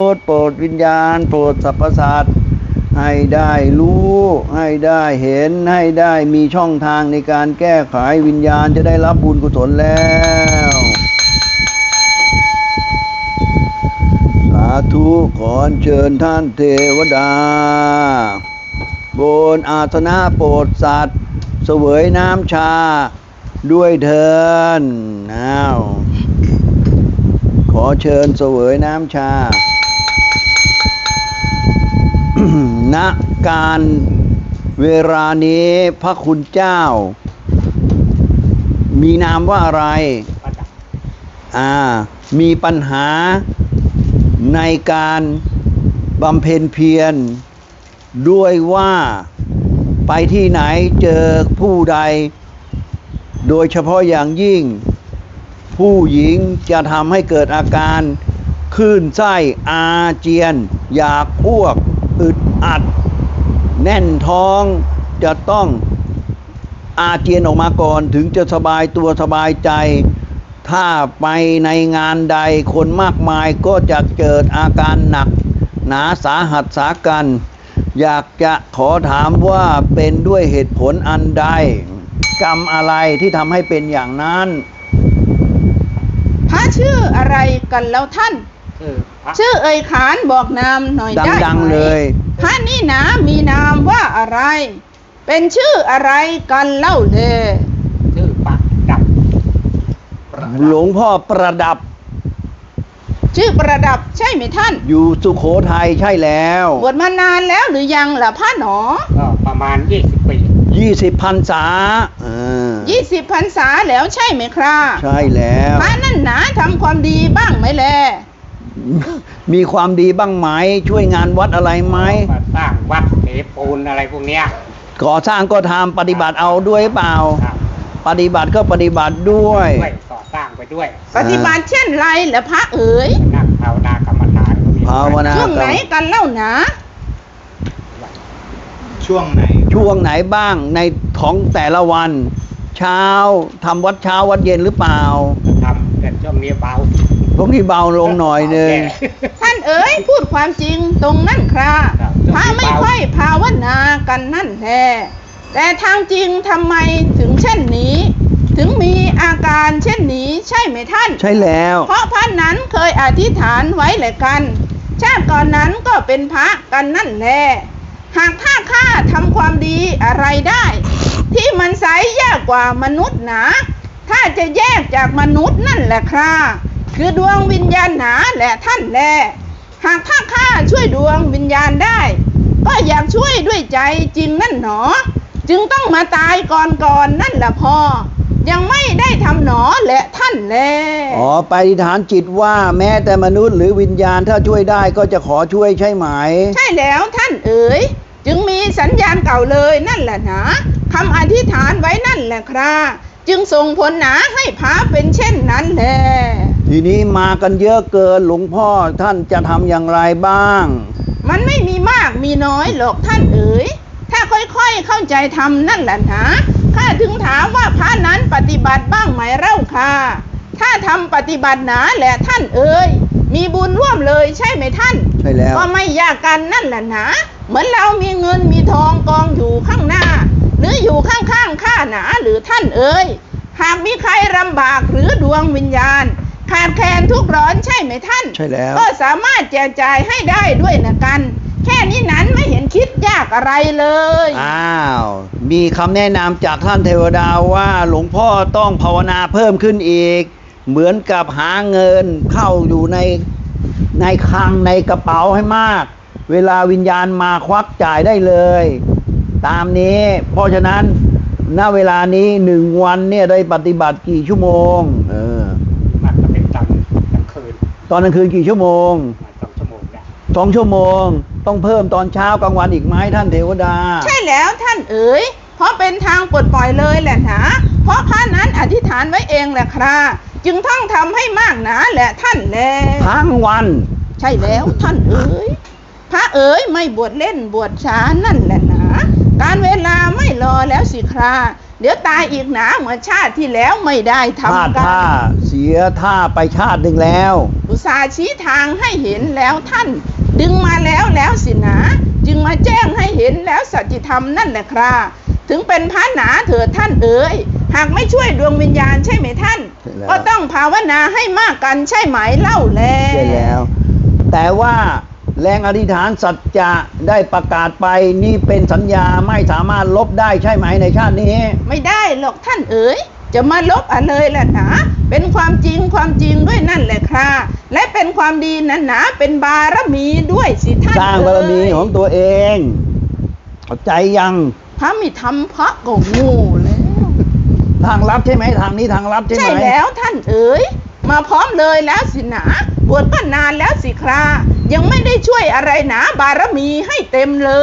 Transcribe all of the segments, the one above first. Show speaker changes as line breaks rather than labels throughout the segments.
โปรดวิญญาณโปรดสรรพสัตว์ให้ได้รู้ให้ได้เห็นให้ได้มีช่องทางในการแก้ไขวิญญาณจะได้รับบุญกุศลแล้วสาธุขอเชิญท่านเทวดาบนอาสนะโปรดสัตว์เสวยน้ำชาด้วยเถิดขอเชิญเสวยน้ำชา ณ การเวลานี้พระคุณเจ้ามีนามว่าอะไรมีปัญหาในการบำเพ็ญเพียรด้วยว่าไปที่ไหนเจอผู้ใดโดยเฉพาะอย่างยิ่งผู้หญิงจะทำให้เกิดอาการคลื่นไส้อาเจียนอยากอ้วกอึดอัดแน่นท้องจะต้องอาเจียนออกมาก่อนถึงจะสบายตัวสบายใจถ้าไปในงานใดคนมากมายก็จะเกิดอาการหนักหนาสาหัสสากันอยากจะขอถามว่าเป็นด้วยเหตุผลอันใดกรรมอะไรที่ทำให้เป็นอย่างนั้น
พระชื่ออะไรกันแล้วท่านชื่อเอ่ยขานบอกนามหน่อยได้ไหมดังๆเลยพระนี่นะมีนามว่าอะไรเป็นชื่ออะไรกันเล่าเลย
ชื่อประดับ
หลวงพ่อประดับ
ชื่อประดับใช่ไหมท่าน
อยู่สุโขทัยใช่แล้ว
บวชมานานแล้วหรือยังล่ะพระหนอ
ก็ประมาณ20 ปี
20 พรรษา
20 พรรษาแล้วใช่ไหมครับ
ใช่แล้ว
พระนั่นหนาทำความดีบ้างไหมแล
มีความดีบ้างไหมช่วยงานวัดอะไรไหม
สร้างวัดเทปูนอะไรพวกเนี้ย
ก่อสร้างก็ทำปฏิบัติเอาด้วยเปล่าปฏิบัติก็ปฏิบัติด้วย
ก่อสร้างไปด้วย
ปฏิบัติเช่นไรล่ะพระเอ๋ย
นั่งภาวนากรรมฐาน
ภาวนา
ช่วงไหนกันเล่านะ
ช่วงไหน
บ้างในของแต่ละวันเช้าทำวัดเช้าวัดเย็นหรือเปล่า
ทำแต่ช่วงนี้เบา
ลงหน่อยนึง
ท่านเอ๋ยพูดความจริงตรงนั่นครับพระไม่ค่อยภาวนากันนั่นแท้แต่ทางจริงทำไมถึงเช่นนี้ถึงมีอาการเช่นนี้ใช่ไหมท่าน
ใช่แล้ว
เพราะพระนั้นเคยอธิษฐานไว้แหละกันชาติก่อนนั้นก็เป็นพระกันนั่นแหละหากถ้าข้าทำความดีอะไรได้ที่มันใสยากกว่ามนุษย์หนาถ้าจะแยกจากมนุษย์นั่นแหละครับคือดวงวิญญาณหนาแหละท่านแลหากถ้าข้าช่วยดวงวิญญาณได้ก็อยากช่วยด้วยใจจริงนั่นหนอจึงต้องมาตายก่อนนั่นแหละพอยังไม่ได้ทำหนอแหละท่านแล
ไปอธิษฐานจิตว่าแม้แต่มนุษย์หรือวิญญาณถ้าช่วยได้ก็จะขอช่วยใช่ไหม
ใช่แล้วท่านเอ๋ยจึงมีสัญญาณเก่าเลยนั่นแหละนะคำอธิษฐานไว้นั่นแหละครับจึงส่งผลหนาให้พระเป็นเช่นนั้นแหละ
ทีนี้มากันเยอะเกินหลวงพ่อท่านจะทำอย่างไรบ้าง
มันไม่มีมากมีน้อยหรอกท่านเอ๋ยถ้าค่อยๆเข้าใจทำนั่นแหละนะข้าถึงถามว่าพระนั้นปฏิบัติบ้างไหมเล่าค่ะถ้าทำปฏิบัติหนาแหละท่านเอ๋ยมีบุญร่วมเลยใช่ไหมท่าน
ใช่แล้ว
ก็ไม่ยากกันนั่นแหละนะเหมือนเรามีเงินมีทองกองอยู่ข้างหน้าหรืออยู่ข้างๆข้าหนาหรือท่านเอ๋ยหากมีใครลำบากหรือดวงวิญญาณขาดแคลนทุกร้อนใช่ไหมท่าน
ใช่แล้ว
ก็สามารถแจกจ่ายให้ได้ด้วยนะกันแค่นี้นั้นไม่เห็นคิดยากอะไรเลย
มีคำแนะนำจากท่านเทวดาว่าหลวงพ่อต้องภาวนาเพิ่มขึ้นอีกเหมือนกับหาเงินเข้าอยู่ในคลังในกระเป๋าให้มากเวลาวิญญาณมาควักจ่ายได้เลยตามนี้เพราะฉะนั้นณเวลานี้1 วันเนี่ยได้ปฏิบัติกี่ชั่วโมง
มันจะเป็นตอนกลางคืน
ตอนกลางคืนกี่ชั่วโมง
2 ชั่วโมงเนี่ย
2 ชั่วโมงต้องเพิ่มตอนเช้ากลางวันอีกไหมท่านเทวดา
ใช่แล้วท่านเอ๋ยเพราะเป็นทางปลดปล่อยเลยแหละนะเพราะพระนั้นอธิษฐานไว้เองแหละครับจึงต้องทำให้มากหนาแหละท่านแล
ทั้งวัน
ใช่แล้วท่านเอ๋ยพระเอ๋ยไม่บวชเล่นบวชช้านั่นแหละนะการเวลาไม่รอแล้วสิคราเดี๋ยวตายอีกหนาเหมือนชาติที่แล้วไม่ได้
พลาด
ทำกั
ท่าน เสียท่าไปชาติหนึ่งแล้ว
อุตส่าห์ชี้ทางให้เห็นแล้วท่าน ดึงมาแล้วสินะจึงมาแจ้งให้เห็นแล้วสัจธรรมนั่นแหละครับถึงเป็นพระหนาเถิดท่านเอ๋ยหากไม่ช่วยดวงวิญญาณใช่ไหมท่าน
ใช่แล้ว
ก็ต้องภาวนาให้มากกันใช่ไหมเล่าแล
ใช่แล้ว แต่ว่าแรงอธิษฐานสัจจะได้ประกาศไปนี่เป็นสัญญาไม่สามารถลบได้ใช่ไหมในชาตินี้
ไม่ได้หรอกท่านเอ๋ยจะมาลบอะไรล่ะหนาเป็นความจริงด้วยนั่นแหละครับและเป็นความดีนั้นหนาเป็นบารมีด้วยสิท่าน
สร้างบารมีของตัวเองเข้าใจยัง
พระมิธรรมพระก็โงูแล้ว
ทางลับใช่ไหมทางนี้ทางลับใช่ไหม
ใช่แล้วท่านเอ๋ยมาพร้อมเลยแล้วสินะบวชก็นานแล้วสิครายังไม่ได้ช่วยอะไรหนาบารมีให้เต็มเลย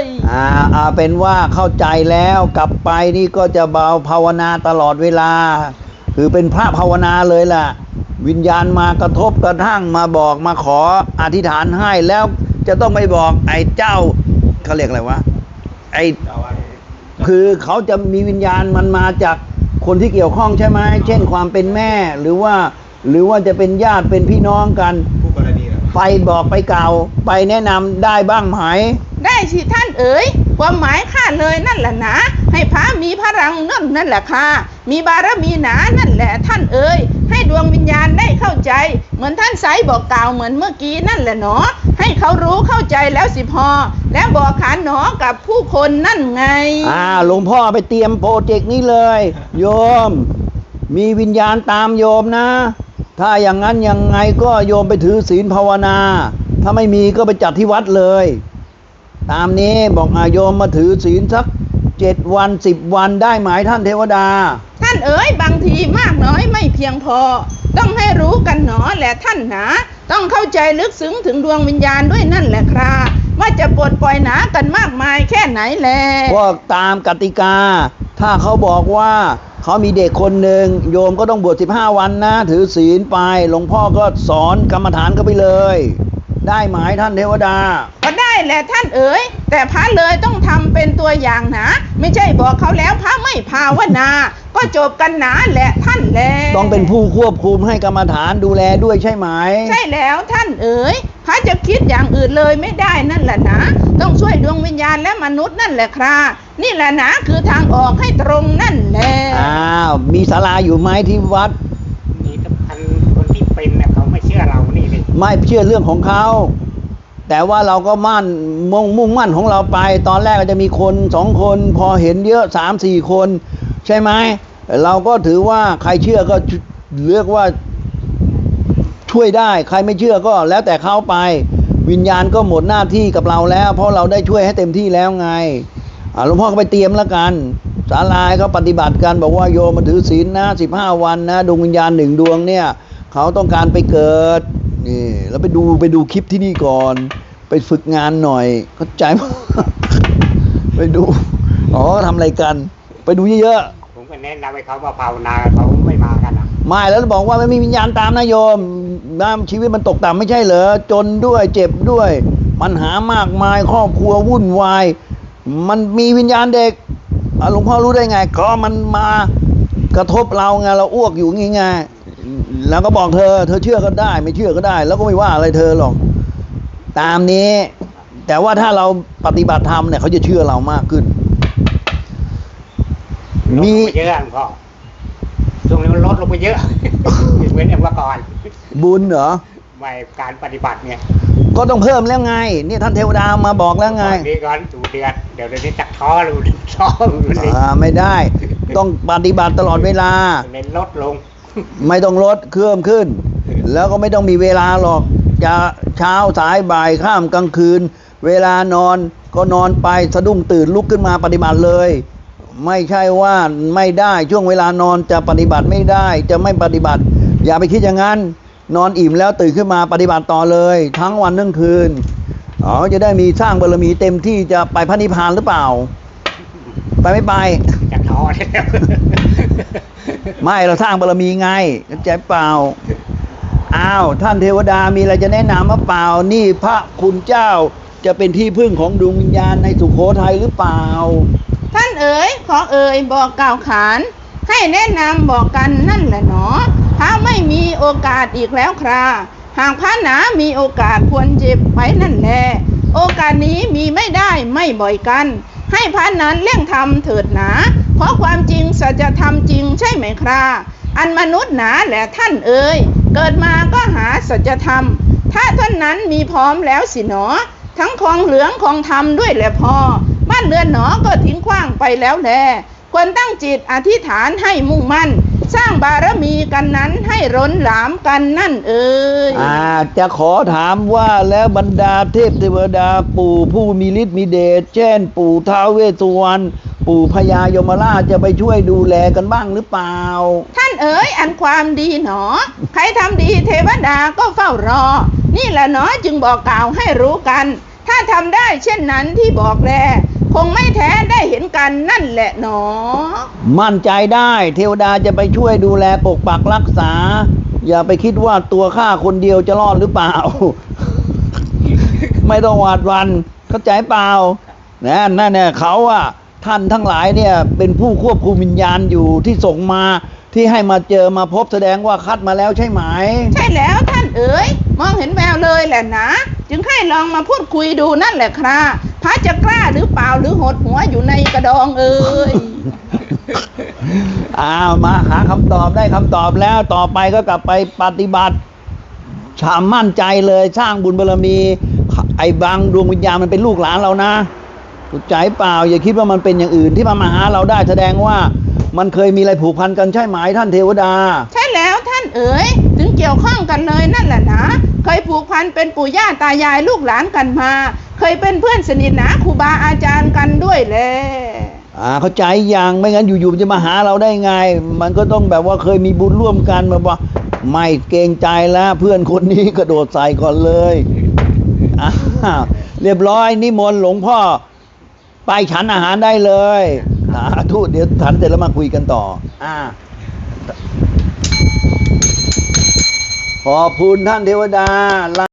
เป็นว่าเข้าใจแล้วกลับไปนี่ก็จะเบาภาวนาตลอดเวลา คือเป็นพระภาวนาเลยล่ะ วิญญาณมากระทบกระทั่งมาบอกมาขออธิษฐานให้แล้วจะต้องไปบอกไอ้เจ้าเขาเรียกอะไรวะไอ้คือเขาจะมีวิญญาณมันมาจากคนที่เกี่ยวข้องใช่ไหมเช่นความเป็นแม่หรือว่าจะเป็นญาติเป็นพี่น้องกัน
ผู้กรณีเหรอ
ไปบอกไปกล่าวไปแนะนำได้บ้างไหม
ได้สิท่านเอ๋ยความหมายข้าเลยนั่นแหละนะให้พระมีพลังนั่นแหละค่ะมีบารมีหนานั่นแหละท่านเอ๋ยให้ดวงวิญญาณได้เข้าใจเหมือนท่านไซบอกกล่าวเหมือนเมื่อกี้นั่นแหละเนาะให้เขารู้เข้าใจแล้วสิพอแล้วบอกขานหนอกับผู้คนนั่นไง
หลวงพ่อไปเตรียมโปรเจกต์นี้เลย โยม มีวิญญาณตามโยมนะ ถ้าอย่างนั้นยังไงก็โยมไปถือศีลภาวนา ถ้าไม่มีก็ไปจัดที่วัดเลย ตามนี้บอกโยมมาถือศีลสัก7 วัน10 วันได้ไหมท่านเทวดา
ท่านเอ๋ยบางทีมากน้อยไม่เพียงพอ ต้องให้รู้กันหนอแหละท่านหนาต้องเข้าใจลึกซึ้งถึงดวงวิญญาณด้วยนั่นแหละครับว่าจะปลดปล่อยหนากันมากมายแค่ไหนแล
ก็ตามกติกา ถ้าเขาบอกว่าเขามีเด็กคนหนึ่งโยมก็ต้องบวช15 วันนะ ถือศีลไปหลวงพ่อก็สอนกรรมฐานก็ไปเลย ได้ไหมท่านเทวดา
ก็ได้แหละท่านเอ๋ยแต่พระเลยต้องทำเป็นตัวอย่างนะไม่ใช่บอกเขาแล้วพระไม่ภาวนาก็จบกันหนาแหละท่านแล
ต้องเป็นผู้ควบคุมให้กรรมฐานดูแลด้วยใช่ไหม
ใช่แล้วท่านเอ๋ยพระจะคิดอย่างอื่นเลยไม่ได้นั่นแหละนะต้องช่วยดวงวิญญาณและมนุษย์นั่นแหละครับนี่แหละนะคือทางออกให้ตรงนั่นแหละ
มีศาลาอยู่ไหมที่วัด
มีแต่พันคนที่เป็นเนี่ยเขาไม่เชื่อเรานี่เลย
ไม่เชื่อเรื่องของเขา แต่ว่าเราก็มุ่งมั่นของเราไป ตอนแรกก็จะมีคน2 คน พอเห็นเยอะ3-4 คน ใช่ไหมเราก็ถือว่าใครเชื่อก็เลือกว่าช่วยได้ ใครไม่เชื่อก็แล้วแต่เขาไป วิญญาณก็หมดหน้าที่กับเราแล้ว เพราะเราได้ช่วยให้เต็มที่แล้วไงหลวงพ่อก็ไปเตรียมแล้วกันศาลาเขาปฏิบัติกันบอกว่าโยมมาถือศีลนะ15 วันนะดวงวิญญาณ1 ดวงเนี่ยเขาต้องการไปเกิดนี่แล้วไปดูคลิปที่นี่ก่อน ไปฝึกงานหน่อยเข้าใจไหม ไปดูทำอะไรกันไปดูเยอะ
ผมก็แนะนำให้เขามาภาวนาเขาไม่มากันอ่ะ
ๆไม่แล้วบอกว่าไม่มีวิญญาณตามนะโยมชีวิตมันตกต่ำไม่ใช่เหรอจนด้วยเจ็บด้วยปัญหามากมายครอบครัววุ่นวายมันมีวิญญาณเด็กหลวงพ่อรู้ได้ไงก็มันมากระทบเราไงเราอ้วกอยู่งี้ไงแล้วก็บอกเธอเชื่อก็ได้ไม่เชื่อก็ได้ แล้วก็ไม่ว่าอะไรเธอหรอกตามนี้ แต่ว่าถ้าเราปฏิบัติธรรมเนี่ยเขาจะเชื่อเรามากขึ้น
ลดลงไปเยอะหลวงพ่อช่วงนี้มันลดลงไปเยอะ เหมือนอย่างเมื่อก่อน
บุญเหรอ
ไม่การปฏิบัติเนี่ย
ก็ต้องเพิ่มแล้วไงนี่ท่านเทวดามาบอกแล้วไง
นี่ก่อนดูเดือนเดี๋ยวนี้จักท้อรู้ท้อรู้เลย
ไม่ได้ ต้องปฏิบัติตลอดเวลา
เน้นลดลง
ไม่ต้องลดเครื่องขึ้น แล้วก็ไม่ต้องมีเวลาหรอกจะเช้าสายบ่ายค่ำกลางคืน เวลานอนก็นอนไปสะดุ้งตื่นลุกขึ้นมาปฏิบัติเลย ไม่ใช่ว่าไม่ได้ช่วงเวลานอนจะปฏิบัติไม่ได้จะไม่ปฏิบัติ อย่าไปคิดอย่างนั้นนอนอิ่มแล้วตื่นขึ้นมาปฏิบัติต่อเลย ทั้งวันทั้งคืนจะได้มีสร้างบารมีเต็มที่จะไปพระนิพพานหรือเปล่า ไปไม่ไป
จักท้อแล้ว
ไม่เราสร้างบารมีไงเข้าใจเปล่าท่านเทวดามีอะไรจะแนะนำหรือเปล่านี่พระคุณเจ้าจะเป็นที่พึ่งของดวงวิญญาณในสุโขทัยหรือเปล่า
ท่านเอ๋ยขอเอ่ยบอกกล่าวขานให้แนะนำบอกกันนั่นแหละหนอพระไม่มีโอกาสอีกแล้วคราหากพระหนามีโอกาสควรเจ็บไว้นั่นแหละโอกาสนี้มีไม่ได้ไม่บ่อยกันให้พระนั้นเร่งทำเถิดหนาเพราะความจริงสัจธรรมจริงใช่ไหมคราอันมนุษย์หนาแหละท่านเอ๋ยเกิดมาก็หาสัจธรรมถ้าท่านนั้นมีพร้อมแล้วสิหนอทั้งของเหลืองของธรรมด้วยแหละพอบ้านเรือนหนอก็ทิ้งขว้างไปแล้วแลควรตั้งจิตอธิษฐานให้มุ่งมั่นสร้างบารมีกันนั้นให้ร้นหลามกันนั่นเอ่ย
จะขอถามว่าแล้วบรรดาเทพเทวดาปู่ผู้มีฤทธิ์มีเดชเช่นปู่ท้าวเวสสุวรรณปู่พญายมราชจะไปช่วยดูแลกันบ้างหรือเปล่า
ท่านเอ๋ยอันความดีหนอใครทำดีเทวดาก็เฝ้ารอนี่แหละหนอจึงบอกกล่าวให้รู้กันถ้าทำได้เช่นนั้นที่บอกแลคงไม่แท้ได้เห็นกันนั่นแหละหนอ
มั่นใจได้เทวดาจะไปช่วยดูแลปกปักรักษา อย่าไปคิดว่าตัวข้าคนเดียวจะรอดหรือเปล่า ไม่ต้องหวาดหวันเข้าใจเปล่านั่นเนี่ยเขาอะท่านทั้งหลายเนี่ยเป็นผู้ควบคุมวิญญาณอยู่ที่ส่งมาที่ให้มาเจอมาพบแสดงว่าคัดมาแล้วใช่ไหม
ใช่แล้วท่านเอ๋ยมองเห็นแววเลยแหละนะจึงให้ลองมาพูดคุยดูนั่นแหละครับพระจะกล้าหรือเปล่าหรือหดหัวอยู่ในกระดองเอ๋ย
มาหาคำตอบได้คำตอบแล้วต่อไปก็กลับไปปฏิบัติชามั่นใจเลยสร้างบุญบารมี ไอ้บางดวงวิญญาณมันเป็นลูกหลานเรานะเข้าใจเปล่าอย่าคิดว่ามันเป็นอย่างอื่นที่มาหาเราได้แสดงว่ามันเคยมีอะไรผูกพันกันใช่ไหมท่านเทวดา
ใช่แล้วท่านเอ๋ยถึงเกี่ยวข้องกันเลยนั่นแหละนะเคยผูกพันเป็นปู่ย่าตายายลูกหลานกันมาเคยเป็นเพื่อนสนิทนะครูบาอาจารย์กันด้วยแหละ
เข้าใจอย่างไม่งั้นอยู่ๆจะมาหาเราได้ไงมันก็ต้องแบบว่าเคยมีบุญร่วมกันแบบว่าไม่เกรงใจแล้วเพื่อนคนนี้กระโดดใส่ก่อนเลยเรียบร้อยนิมนต์หลวงพ่อไปฉันอาหารได้เลยทุเดี๋ยวฉันเสร็จแล้วมาคุยกันต่อขอบคุณท่านเทวดา